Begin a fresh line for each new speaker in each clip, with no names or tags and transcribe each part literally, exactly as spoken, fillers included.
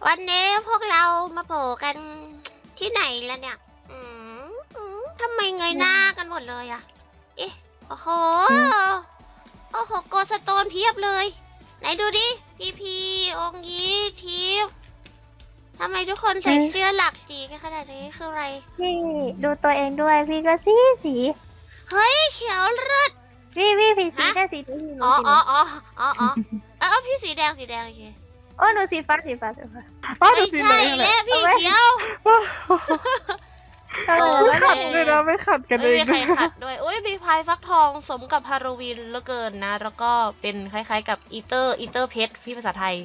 วันนี้พวกเรามาโผล่กันที่ไหนแล้วเนี่ย อืมอืมทำไมเงยหน้ากันหมดเลยอะเอ๊ะโอ้โห โอ้โหโกสโตนเพียบเลย ไหนดูดิ พีพีองยีทิพย์ทำไมทุกคนใส่เสื้อหลากสีกันขนาดนี้คืออะไร
พี่ดูตัวเองด้วยพี่ก็สีสี
เฮ้ยเขียวเลือด
พี่พี่พี่สี
ฮะ
ได้สีพี่หนู
อ๋อ
สี
อ๋ออ๋ออ๋ออ๋อเออพี่สีแดงสีแดงโอเค
โอ้หนูสีฟ้าสีฟ้าสีฟ้า
ป้า
ไม่
ดูสิ
ใช่
เลยแห
แล้
ละ
วพี่เขียว
เออ
ไม่
ไม่
ได้
ขัดเลยนะไม่ขัดกัน
ไม่
เอง
มีใครขัดด้วยโอ้ยมีพายฟักทองสมกับฮาโลวีนเหลือเกินนะ แล้วก็เป็นคล้ายๆกับอีเตอร์อีเตอร์เพชรพี่ภาษาไทย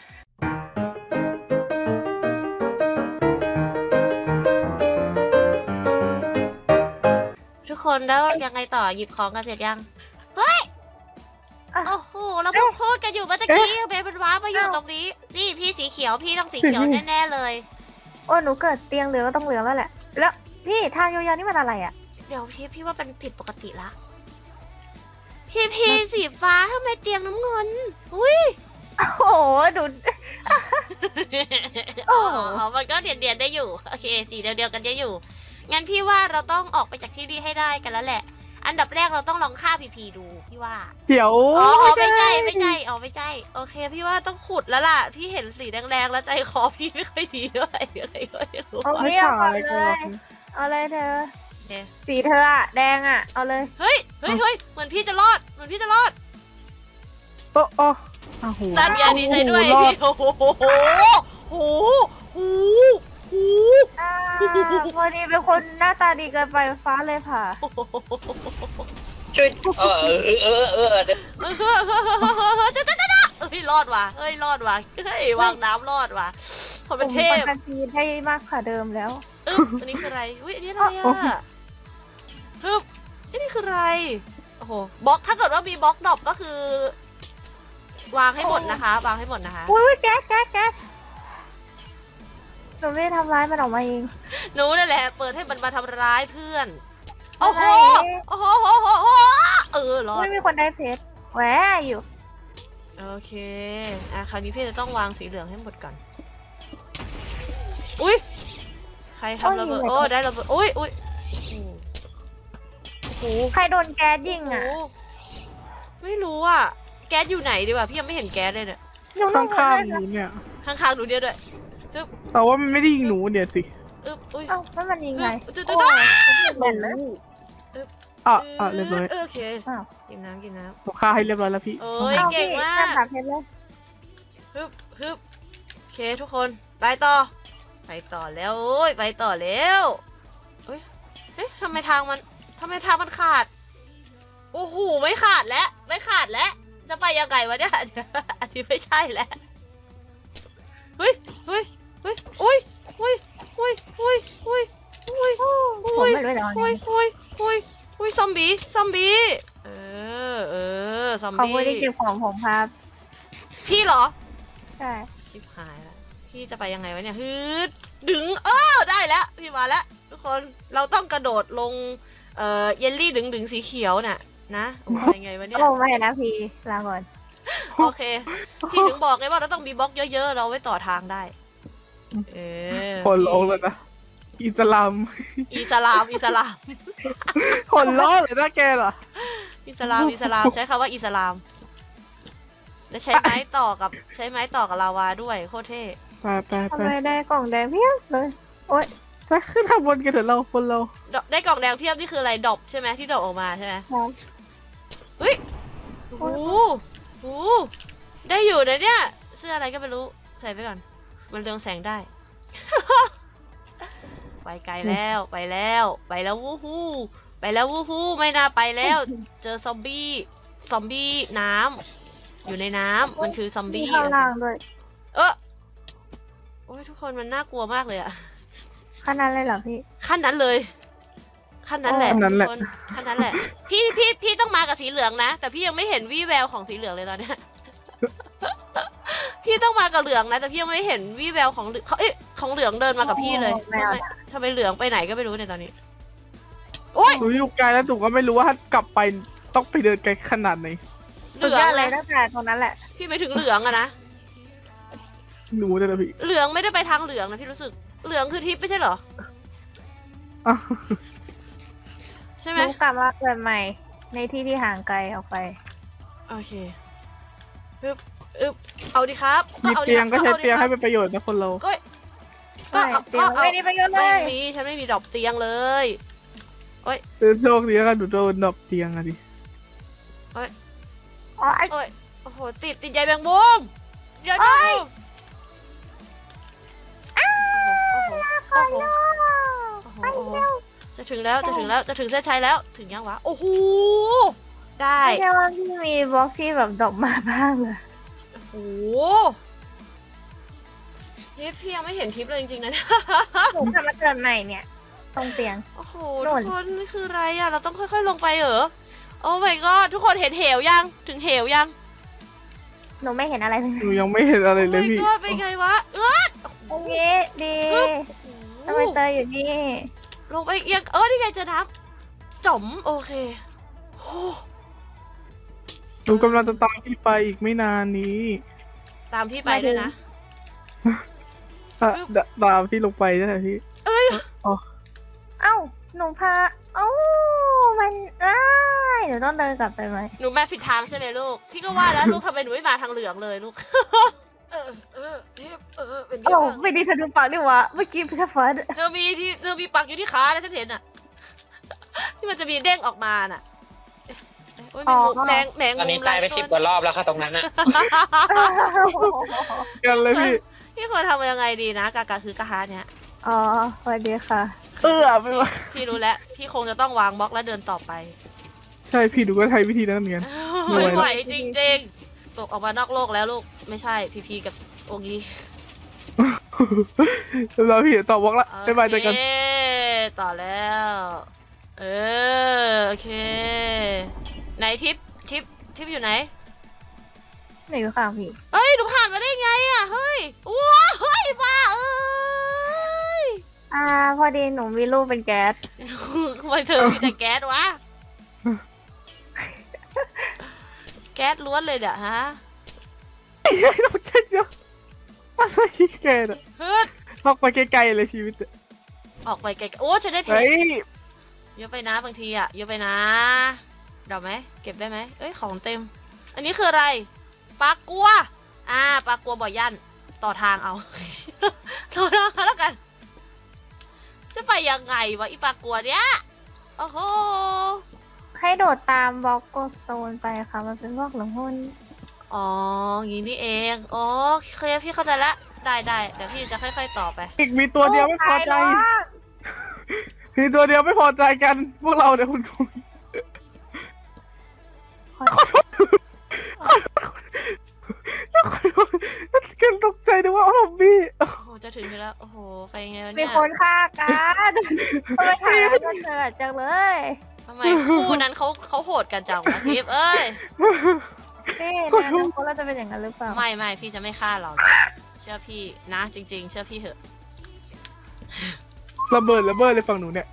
ทุกคนแล้วยังไงต่อหยิบของกันเสร็จยัง เฮ้ย โอ้โหเราเพิ่งพูดกันอยู่เมื่อตะกี้เบนเป็นว้ามาอยู่ตรงนี้ นี่พี่สีเขียวพี่ต้องสีเขียวแน่ๆเลย
โอ้หนูเกิดเตียงเหลืองก็ต้องเหลืองแล้วแหละแล้วพี่ทางยาวๆนี่มันอะไรอ่ะ
เดี๋ยวพี่พี่ว่าเป็นผิดปกติละ พี่พี่สีฟ้าทำไมเตียงน้ำเงิน อุ้ย
โอ้โหดู
อ๋ออ๋อมันก็เดียนเดียนๆได้อยู่ โอเค สีเดียวเดียวๆกันได้อยู่ งั้นพี่ว่าเราต้องออกไปจากที่นี่ให้ได้กันแล้วแหละ อันดับแรกเราต้องลองฆ่าพีพีดูพี่ว่า
เดี๋ยว
อ๋ออ๋อไม่ใช่ไม่ใช่อ๋อไม่ใช่ โอเค พี่ว่าต้องขุดแล้วล่ะ พี่เห็นสีแดงๆแล้วใจคอพี่ไม่ค่อยดีด้วยอะไรก็ไม่รู้
เอา
ไม่
พี่เอา
ถ่า
ก่อน
ย
เล
ก่อน
ยเอาเลยเธอ
โอเค
สีเธออะแดงอะเอาเลย
เฮ้ย เฮ้ยเฮ้ยเหมือนพี่จะรอด เหมือนพี่จะรอด
โอ้โอ้อ้าวโห
ตามยาดีใจด้วย
รอด
พี่โอ้โหโอ้โหโอ้โห
อ่าพอดีเป็นคนหน้าตาดีเกินไปฟ้าเลยผ่า
ช่วยเออเออเออเออ
เฮ้ยรอดว่ะ เฮ้ยรอดว่ะ เฮ้ยวางน้ำรอดว่ะคนเป็นเท
ผม
พ
ปันทีได้มากกว่าเดิมแล้ว
อึ๊บอันนี้คืออะไร อุ้ยอันนี้อะไรอ่ะฮึบอันนี้คืออะไร โอ้โห บล็อก ถ้าเกิดว่ามีบล็อกดรอปก็คือ วางให้หมดนะคะ วางให้หมดนะคะ
อุ้ยแก๊สแก๊สแก๊สหนูไม่ได้ทำร้ายมันออกมาเอง
หนูนั่นแหละ เปิดให้มันมาทำร้ายเพื่อน โอ้โห
อะไร
โอ้โหโอ้โหโอ้โหเออรอด
ไม่มีคนได้เพชรแหวอยู่
โอเค อ่ะ คราวนี้พี่จะต้องวางสีเหลืองให้หมดก่อน อุ้ยใครทำระเบิด โอ้ ได้ระเบิด อุ้ยอุ้ยโอ้โห
ใครโดนแก๊สยิง
โอ้
อ่ะ
โหไม่รู้อ่ะ แก๊สอยู่ไหนดีวะพี่ยังไม่เห็นแก๊สเลยเนี่ย
หนูล
ข้าง
ง
ข้าง
เลย
ๆหนูเนี่ย
ข้างๆหนูเดียวด้วย
แต่ว่ามันไม่ได้ยิงหนูเดี๋ยวสิ
อึ๊บอุ้ย
เอ้าแล้วมันยิงไง
จุด
โอ้
จุด
ยเหม็นเลย
อ่ะอ่ะเรียบร้อย
โอเค
อ้าว
กินน้ำกินน้
ผมฆ่าให้เรียบร้อยแล้วพี่
ำโอ้ย
เอา
เก่ง
พี่
มา
นั่น
ก
หาเพชรเลย
ฮึบฮึบโอเคทุกคน ไปต่อ ไปต่อแล้วโอ้ย ไปต่อแล้วเอ้ยเอ๊ะทำไมทางมันทำไมทางมันขาด โอ้โห ไม่ขาดแล้ว ไม่ขาดแล้ว จะไปยังไงวะเนี่ย อันนี้ไม่ใช่แล้ว เฮ้ย เฮ้ย เฮ้ย อุ้ย อุ้ย อุ้ย อุ้ย อุ้ย อุ้ย
ผมไม่รู้จะเอา
อุ้
ไง
ย อุ้ย อุ้ย อุ้ย ซอมบี้ ซอมบี้ เออ เออ ซอม
เขา
บี้
ไม่ได้เก็บของผมครับ
พี่เหรอ
ใช่
ชิบหายแล้ว พี่จะไปยังไงวะเนี่ยฮึดดึง เออ ได้แล้ว พี่มาแล้ว ทุกคน เราต้องกระโดดลง เอ่อ เยลลี่ดึงดึงสีเขียวน่ะ นะโอ้ยยังไงวะเนี่ย
โอ้ไม่นะพี่ลาก่อน
โอเค ที่ถึงบอกไงว่าเราต้องมีบล็อกเยอะๆ เราไว้ต่อทางได้ เออ
คนลงแล้วนะอิสลาม
อิสลาม อิสลาม
คนล้อเลยนะแกเหรอ
อิสลาม อิสลาม ใช้คำว่าอิสลาม และใช้ไม้ต่อกับ ใช้ไม้ต่อกับลาวาด้วย โคตรเท่
ไปไป
ทำ
ไป
ไมได้กล่องแดงเพียบเลย โอ๊ย
ไปขึ้นข้างบนกันเถอะเราคนเรา
ดอกได้กล่องแดงเพียบนี่คืออะไรดรอปใช่ไหมที่ดรอปออกมาใช่ไหม
ครับ
เฮ้ย โอ้โหโอ้โหได้อยู่นะเนี่ย เสื้ออะไรก็ไม่รู้ ใส่ไปก่อน มันเรืองแสงได้ ไปไกลแล้ว ไปแล้ว ไปแล้ววู้ฮู้ไปแล้ววู้ฮู้ไม่น่าไปแล้ว เจอซอมบี้ ซอมบี้น้ำ อยู่ในน้ำ มันคือซอม
มี
บี้
ข้างล่างด้วย
เออโอ้ยทุกคนมันน่ากลัวมากเลยอะ
ขนาดเลยเหรอพี่
ขั้นนั้นเลย ขั้นนั้นแหละ
ขั้นนั้นแหละ
ทุกคนขั้นนั้นแหละ พี่พี่พี่ต้องมากับสีเหลืองนะ แต่พี่ยังไม่เห็นวี่แววของสีเหลืองเลยตอนเนี้ย พี่ต้องมากับเหลืองนะ แต่พี่ยังไม่เห็นวี่แววของเหลืองเขาเอ๊ะของเหลืองเดินมากับพี่เลย
โอ้ไม่
ทำ
เอา
ไมทำไมเหลืองไปไหนก็ไม่รู้ในตอนนี้ โอ๊ย
หนูอยู่ไกลแล้วหนูก็ไม่รู้ว่าถ้ากลับไปต้องไปเดินไกลขนาดไหน
เห
สุด
ลือย
อง ดเลย
นะ
ตั้งแต่ตรงนั้นแหละ
พี่ไปถึงเหลืองอะนะ
หนูเนี่ยนะพี่
เหลืองไม่ได้ไปทางเหลืองนะพี่รู้สึก เหลืองคือทิพย์ไม่ใช่เหรอ
อ้าว
ใช่
ห
ไหม
นูกลับมาเกิดใหม่ ในที่ที่ห่างไกลออกไป
โอเคอึบอึบเอาดิครับ
มี
อาดิ
เตียงก็
ครับ
ใช้
อาดิ
เตียง
ค
ให้
รับ
เป็นประโยชน์นะคนเรา
ก็ ก็
ใช่
เอา
เตียง
ก็เอา
ไม่ได้ประโยชน์เล
ไม่
ย
มีฉันไม่มีดอกเตียงเลย
เออโชคดีแล้วกันหนูโดนดอกเตียงอะดิ
อ๋อไอ้
โอ้ยโอ้โหติดติดใยแมงมุมใยแมงมุมโอ้โหโอ้โหโอ้โหโอ้โหโอ้โหจะถึงแล้วจะถึงแล้วจะถึงเส้นชัยแล้วถึงยังวะโอ้โหได้
ไม่ใช่ว่าพี่มีบล็อกที่แบบดอกมาบ้างเลย
โอ้โหนี่พี่ยังไม่เห็นทิปเลยจริงๆนะเนี่ย
หนูกลับมาเกิดใหม่เนี่ย ตรงเตียง
โอ้โห
โน่
ทุ
น
กคนนี่คืออะไรอ่ะเราต้องค่อยๆลงไปเหรอโอ้ my god ทุกคนเห็นเหวยังถึงเหวยัง
หนูไม่เห็นอะไรเลย
หนูยังไม่เห็นอะไร
โอ้
เลย
my
พี่
god เป็นไงวะเอื้อ
ตรงนี้ดีทำไมเตยอยู่นี่
ลงไปเอียงเออนี่ไงเจอน้ำจ๋อมโอเคโอ้
หนูกำลังจะตามพี่ไปอีกไม่นานนี้
ตามพี่ไปด้วยนะ
อ่ะเดยวตามพี่ลงไปได้ไหมพี่
เอ้ย
อ๋อ
เอ้า หนูพา เอ้า มันอ้ายหนูต้องเดินกลับไปไหม
หนูมาผิดทางใช่ไหมลูก พี่ก็ว่าแล้วลูกทำไมหนูไม่มาทางเหลืองเลยลูก เออเออทิปเออเป็น
โอ้
ที่บ้าง
ไม่ดีเธอดูปากดิวะ เมื่อกี้พี่ฟัด
เธอมีที่เธอมีปักอยู่ที่ขาแล้วฉันเห็นอ่ะ ที่มันจะมีเด้งออกมาน่ะเอ๊ะโอ้ยแมงมุมแมงแมง
ตอน
มุ
นี้
ม
ตายไป
หล
สิบ
ตัว
กว่ารอบแล้วค่ะตรงนั้นอะ
กันเลยพี่
พี่ควรทำยังไงดีนะกากาคือกะฮาเนี่ย
อ๋อสวัสดีค่ะ
เออไปวะ
พี่รู้แล้ว พี่คงจะต้องวางบล็อกแล้วเดินต่อไป
ใช่พี่หนูก็ใช้วิธีนั้นเหมือนกัน ไม่
ไม่
ไหว
ไหวจริงๆ ตกออกมานอกโลกแล้วลูก ไม่ใช่พีพีกับโองี
เราพี่ต่อบล็อกละบ๊ายบายเจอกัน
โอเคต่อแล้ว เออ โอเค ไหนทิป ทิป ทิปอยู่ไหน
หนูอยู่ข้างพี่
เฮ้ย หนูผ่านมาได้ไงอ่ะ เฮ้ย ว้าเฮ้ยบ้าเอ้ย
อ่า พอดีหนูมีรูปเป็นแก๊ส
ทำไมเธอมีแต่แก๊สวะ แก๊สล้วนเลยเดี๋ยฮะ
ไอ้ไอ้ต้องใช้เยอะอะไรแกน่ะ
เฮ้ย
ออกไปไกลๆเลยชีวิตอะ
ออกไปไกลๆโอ้ฉันได้เพช
เฮ้
ร
ย
เยอะไปนะบางทีอ่ะ เยอะไปนะเดาไหม เก็บได้ไหม เอ้ย ของเต็ม อันนี้คืออะไร ปลากัว อ่า ปลากัวบ่อยั่น ต่อทางเอา ต่อทางเอาแล้วกัน จะไปยังไงวะอีปลากัวเนี้ย โอ้โห
ให้โดดตามบล็อกโกสโตนไปค่ะ มันเป็นบล็อกหลังหุ้น
อ๋ออย่างนี้นี่เอง อ๋อเคลียร์พี่เข้าใจละ ได้ได้เดี๋ยวพี่จะค่อยๆต่อไป
อีกมีตัวเดียวไม่พอใจ
โตายแล้ว
มีตัวเดียวไม่พอใจกัน พวกเราเนี่ยคุณครูขอโทษขอโทษแล้วขอโทษแล้วกันตกใจนึกว่าผมบี้
โอ้โห จะถึงอยู่แล้ว โอ้โห ไปยังไงวะ
มี
เนี่ย
คนฆ่ากันทำไมถ่ายแล้วมันเจอจังเลย
ทำไมคู่นั้นเขาเขาโหดกันจังวะทิพย์เอ้ย
นี่ในอนาคตเราจะเป็นอย่างนั้นหรือเปล่า
ไม่ไม่พี่จะไม่ฆ่าเรา เชื่อพี่นะ จริง ๆ เชื่อพี่เถอะ
ระเบิดระเบิดเลยฝั่งหนูเนี่ย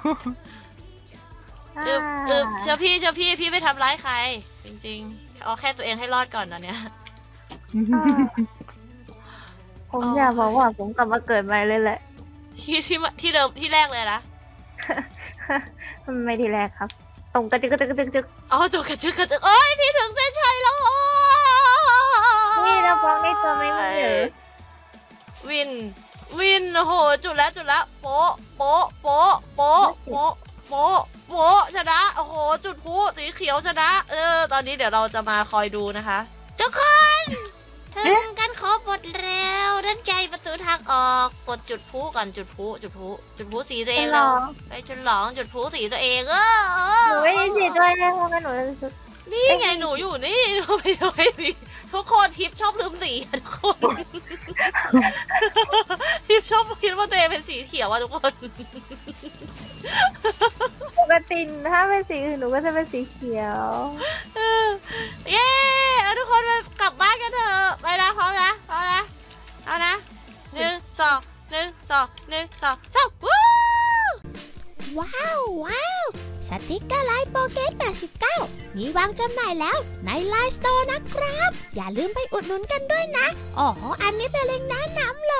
อึบอึบเชื่อพี่เชื่อพี่พี่ไม่ทำร้ายใคร จริงๆเอาแค่ตัวเองให้รอดก่อนตอนเนี้ย
อ่าผมอยากบอกว่าผมกลับมาเกิดใหม่เลยแหละ
ที่ที่ที่เดิมที่แรกเลยนะ
ไม่ทีแรกครับ ตรงกระจึกกระจึกกระจึกกระจึก
อ๋อตัวกระจึกกระจึกเอ้ยพี่ถึงเส้นชัยแล้วโอ้
นี่เราฟังได้ตัวไม่มีหรือ
วิน วิน โอ้โห จุดแล้วจุดแล้วโป๊ะโป๊ะโป๊ะโป๊ะโป๊ะโป๊ะโป๊ะชนะ โอ้โห จุดพลุสีเขียวชนะ เออ ตอนนี้เดี๋ยวเราจะมาคอยดูนะคะทุกคนถึงกันครบหมดแล้วด้านใจประตูทางออก กดจุดพลุก่อนจุดพลุจุดพลุจุดพลุสีตัวเอง
หร
แล้
อ
วไปฉลองจุดพลุสีตัวเองเออ
หนูไม่ได้สิด้วยนะเพราะงั้นหนูจะรู้สึก
นี่ไงหนูอยู่นี่ หนูไม่ไม่มีทุกคนทิปชอบลืมสีอะทุกคน ทิปชอบคิดว่าตัวเองเป็นสีเขียวอะทุกคน
ปกติถ้าเป็นสีอื่นหนูก็จะเป็นสีเขียว
เย้เอาทุกคนไปกลับบ้านกันเถอะไปนะพร้อมนะพร้อมนะเอานะหนึ่งสองหนึ่งสองหนึ่งสองสามวู้
ว้าวว้าวสติกเกอร์ไลน์โปรเกตแปดสิบเก้ามีวางจำหน่ายแล้วในไลน์สโตร์นะครับ อย่าลืมไปอุดหนุนกันด้วยนะ อ๋อ อันนี้เป็นเล็งก์แนะนำเล